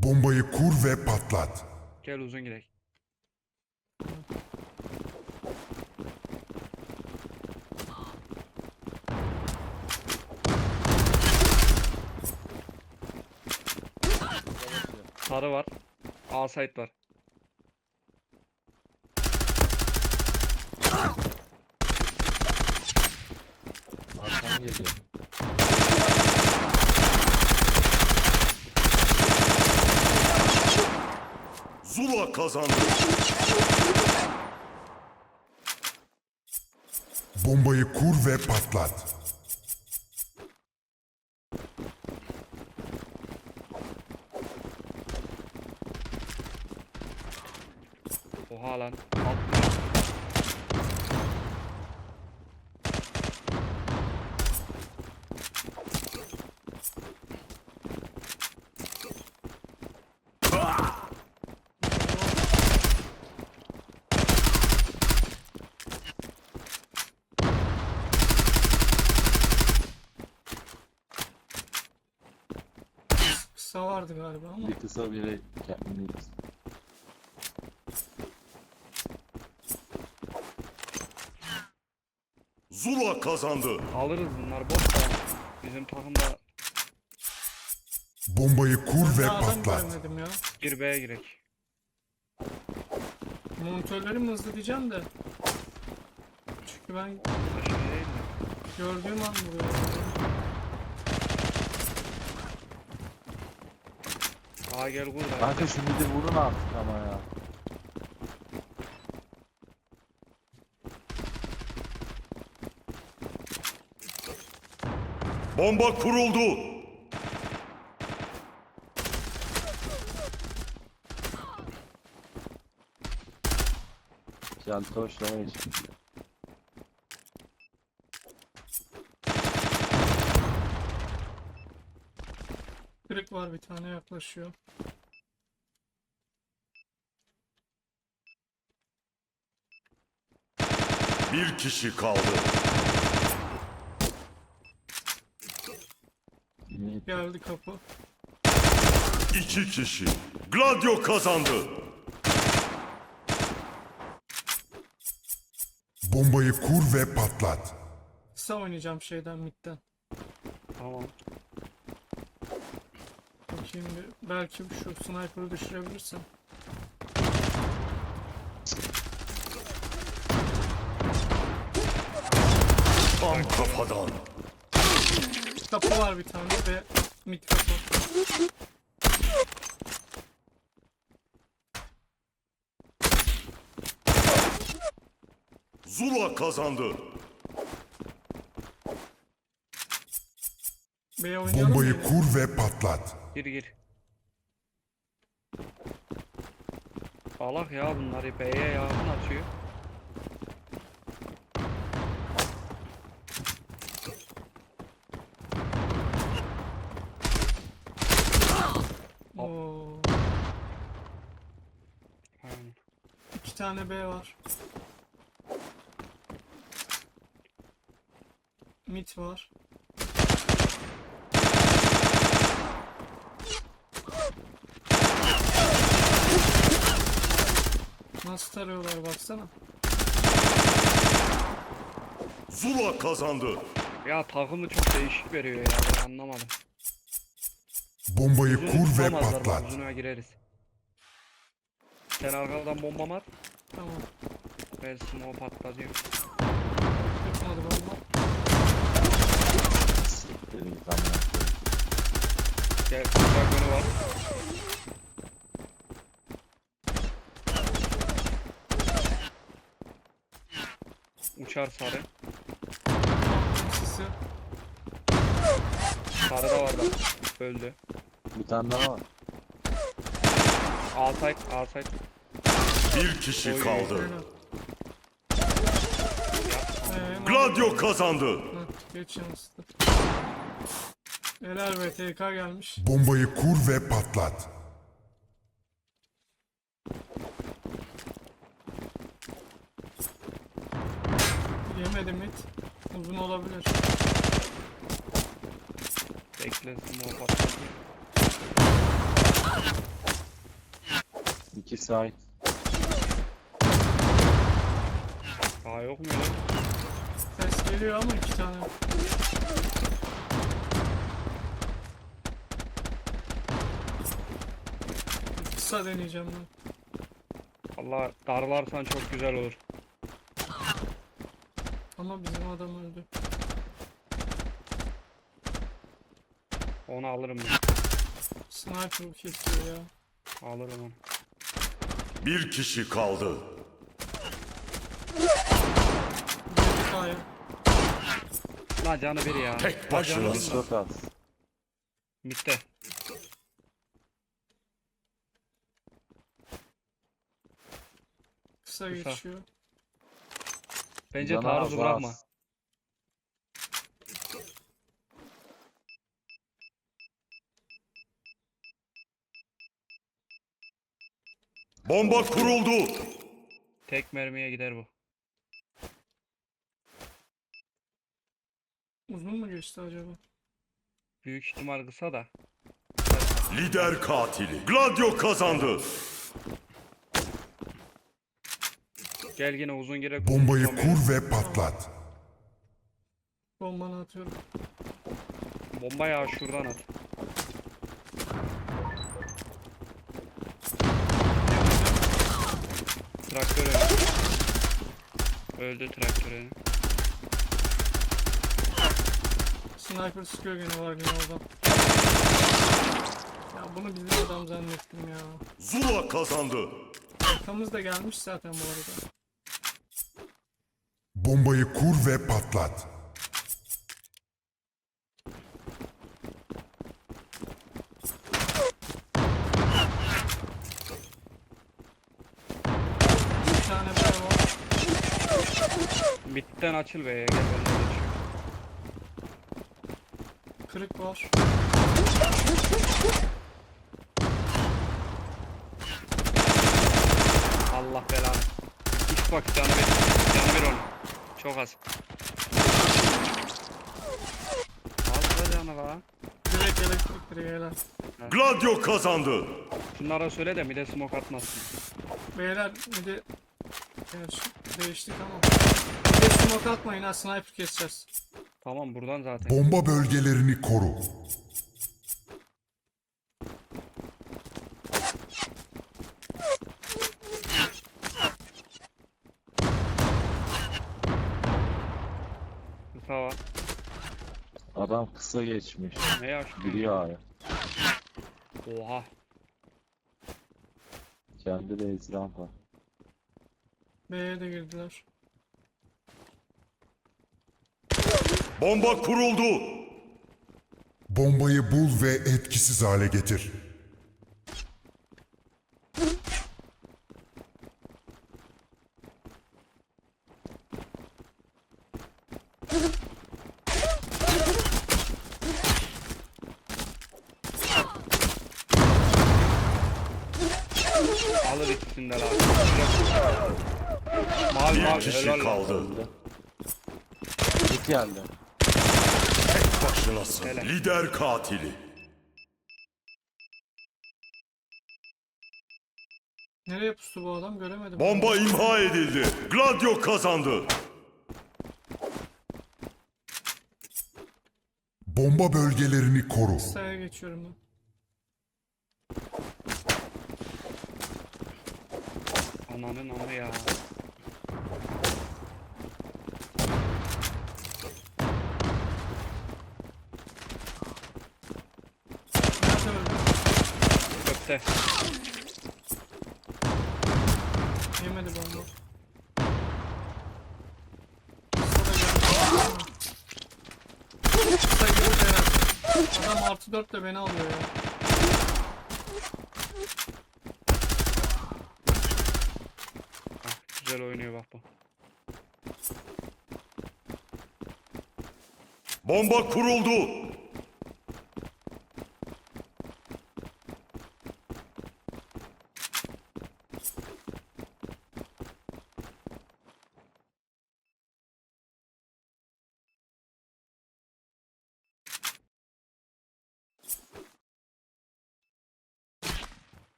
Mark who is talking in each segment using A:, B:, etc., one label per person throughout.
A: Bombayı kur ve patlat.
B: Gel uzun gidelim. Sarı var. A site var.
C: Arkan geliyor.
D: Zula kazandı.
A: Bombayı kur ve patlat.
B: Oha lan. Atmış.
E: Kısa vardı galiba ama.
C: Bir kısa biri kendini
D: Zula kazandı.
B: Alırız bunlar boş da. Bizim takımda
A: Bombayı kur ve
E: Ben adam
A: patlat.
E: göremedim ya.
B: bir B'ye girek.
E: Monitörleri mi hızlı diyeceğim de. Çünkü ben
B: Aşağı değil mi?
E: gördüğüm an vuruyor.
B: Aa gel kur da.
C: Kanka şu midi vurun artık ama ya.
D: Bomba kuruldu.
C: Keltoşlama geç.
E: Kırık var bir tane yaklaşıyor.
D: Bir kişi kaldı.
E: Geldi kapı.
D: 2 kişi. Gladio kazandı.
A: Bombayı kur ve patlat.
E: Kısa oynayacağım şeyden midden.
B: Tamam.
E: Bakayım bir. Belki şu sniper'ı düşürebilirsem.
D: Tam kafadan.
E: Kapı var bir tane ve mid kapı.
D: Zula kazandı.
E: B'ye oynayalım
A: Bombayı
E: mı?
A: kur ve patlat.
B: Gir gir. Salak ya bunları B'ye yakın atıyor.
E: Oo.
B: Aynen.
E: 2 tane B var. Mid var. Nasıl tarıyorlar baksana.
D: Zula kazandı.
B: Ya takımı çok değişik veriyor ya ben anlamadım.
A: Bombayı
B: Uzunu
A: kur ve
B: tutamazlar bak,
A: patlat.
B: uzuna gireriz. Sen arkadan bomba at.
E: Tamam.
B: Ben smoke patlatıyorum.
E: Tutmadı bomba.
C: Dedim tamam.
B: Gel dragonu var. Uçar sarı.
E: Sisi.
B: Sarı da var bak. Öldü.
C: Bir tane daha var.
B: A site, A site.
D: Bir kişi
B: Oy.
D: kaldı.
E: Aynen.
D: Gladio kazandı.
E: Heh, geç yansıdı. Helal be TK gelmiş.
A: Bombayı kur ve patlat.
E: Yemedim mid. Uzun olabilir.
B: Bekle smoke patlatayım.
C: İki side.
B: Daha yok mu ya?
E: Ses geliyor ama 2 tane. Kısa deneyeceğim ben.
B: Allah darlarsan çok güzel olur.
E: Ama bizim adam öldü.
B: Onu alırım ben.
E: Sniper kesiyor ya.
B: Alırım onu.
D: Bir kişi kaldı.
E: Girdik A'ya.
B: Lan canı biri ya.
D: Tek başınasın.
C: Çok az.
B: Mitte.
E: Kısa
B: Kısa.
E: geçiyor.
B: Bence
C: Canı
B: taarruzu
C: az,
B: bırakma.
C: az.
D: Bomba kuruldu.
B: Tek mermiye gider bu.
E: Uzun mu geçti acaba?
B: Büyük ihtimal kısa da.
D: Lider katili. Gladio kazandı.
B: Gel yine uzun gerek.
A: Bombayı kur ve patlat.
E: Bombanı atıyorum.
B: Bomba ya şuradan at. Traktör öldü. Öldü traktör önü.
E: Sniper sıkıyor gene var yine oradan. Ya bunu bizim adam zannettim ya.
D: Zula kazandı.
E: Arkamız da gelmiş zaten bu arada.
A: Bombayı kur ve patlat.
E: Bir tane daha var.
B: Midden açıl be. Gel önüne geç.
E: Kırık var.
B: Allah belanı. Üç bak canı bir. Canı bir onu. Çok az. Az da canı var.
E: Direkt elektrik direği helal.
D: Gladio kazandı.
B: Şunlara söyle de mide smoke atmasın.
E: Beyler bir de gerçi değiştik ama. Bir de smoke atmayın ha, sniper keseceğiz.
B: Tamam buradan zaten.
A: Bomba bölgelerini koru.
B: Kısa var.
C: Adam kısa geçmiş.
B: Ne yaşlı?
C: Giriyor A'ya.
B: Oha.
C: Kendi de ezran var.
E: B'ye de girdiler.
D: Bomba kuruldu.
A: Bombayı bul ve etkisiz hale getir.
B: Alır ikisinden abi. Mavi
D: Bir
B: mavi
D: kişi
B: helal lan.
D: kaldı.
C: Git geldi.
D: Tek başınasın.
B: Helal.
D: Lider katili.
E: Nereye pustu bu adam göremedim.
D: Bomba imha edildi. Gladio kazandı.
A: Bomba bölgelerini koru.
E: Kısaya geçiyorum ben.
B: Ananın amı ya.
E: Nerede öldü?
B: Köfte.
E: Yemedi bomba. Kısa da geldi. Kısa girdi herhalde. Adam artı 4 de beni alıyor ya.
B: Güzel oynuyor bak bu.
D: Bomba kuruldu.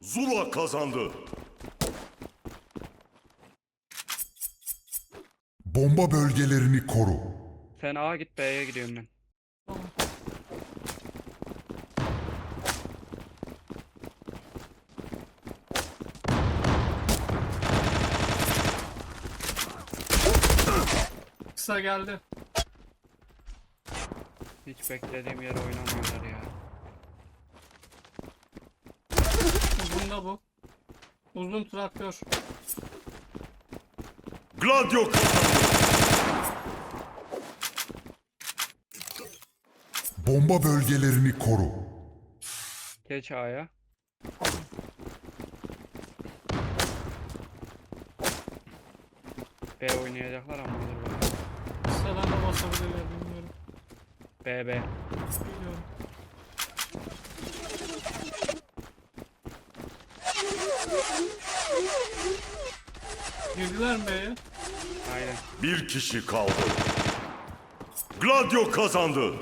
D: Zula kazandı.
A: Bomba bölgelerini koru.
B: Sen A'ya git, B'ye gidiyorum ben.
E: Tamam. Kısa geldi.
B: Hiç beklediğim yere oynamıyorlar ya.
E: Uzun da bu. Uzun traktör.
D: Gladio kazandı.
A: Bomba bölgelerini koru.
B: Geç A'ya. B oynayacaklar ama olur böyle.
E: Kısadan da basabilirler bilmiyorum.
B: B.
E: Biliyorum. Girdiler mi B'ye?
B: Aynen.
D: Bir kişi kaldı. Gladio kazandı.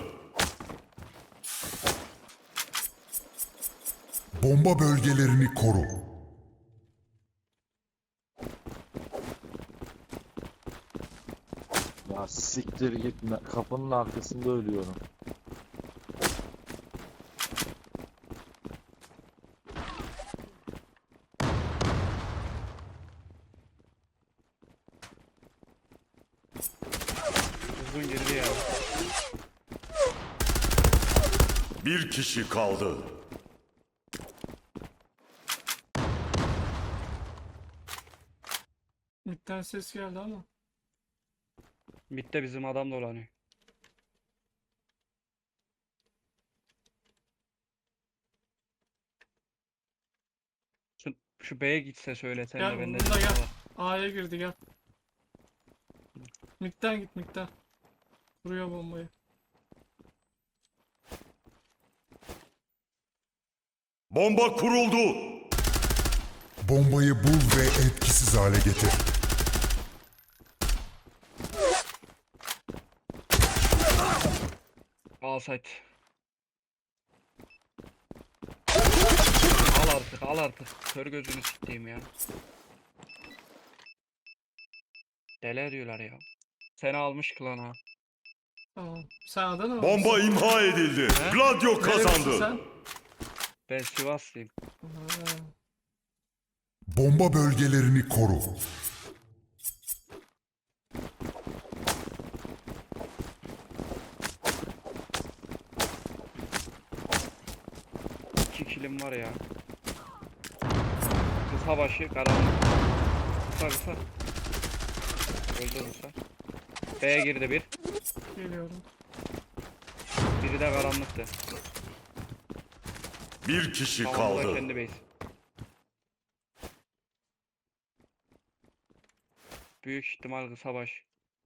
A: Bomba bölgelerini koru.
C: Ya siktir gitme. Kapının arkasında ölüyorum.
B: Uzun girdi ya.
D: Bir kişi kaldı.
E: Midden ses geldi ama.
B: Mid'de bizim adam dolanıyor. Şu B'ye gitse söylesen
E: Gel
B: de bende
E: bunda
B: bir
E: gel.
B: var.
E: A'ya girdi gel. Midden git midden. Vuruyor bombayı.
D: Bomba kuruldu.
A: Bombayı bul ve etkisiz hale getir.
B: Al site. Al artık. Kör gözünü sikeyim ya. Deli ediyorlar ya. Seni almış klana.
E: Tamam. Sen Adana mı?
D: Bomba imha edildi.
B: He?
D: Gladio
E: Nerelisin
D: kazandı.
E: sen?
B: Ben Sivaslıyım.
E: Ha.
A: Bomba bölgelerini koru.
B: İki kilim var ya. Kısa başı karanlık. Kısa. Öldü kısa. B'ye girdi bir.
E: Geliyorum.
B: Biri de karanlıktı.
D: Bir kişi
B: Tamam, bu da
D: kaldı.
B: kendi base. Büyük ihtimal kısa baş.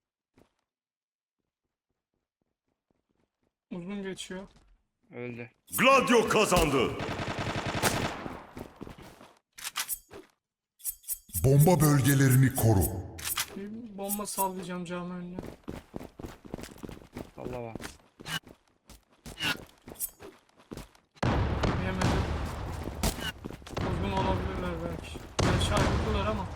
E: Uzun geçiyor.
B: Öldü.
D: Gladio kazandı.
A: Bomba bölgelerini koru.
E: Bir bomba sallayacağım cami önüne.
B: Allah var.
E: Yemedim. Uzun olabilirler belki. Gerçi ayrıldılar ama.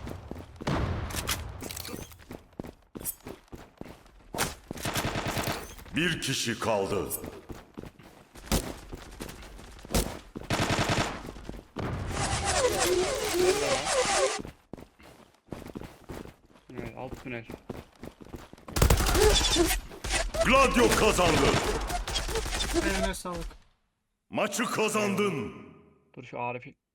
D: Bir kişi kaldı.
B: Evet, alt tünel.
D: Gladio kazandı.
E: Eline sağlık.
D: Maçı kazandın.
B: Dur şu Arif'in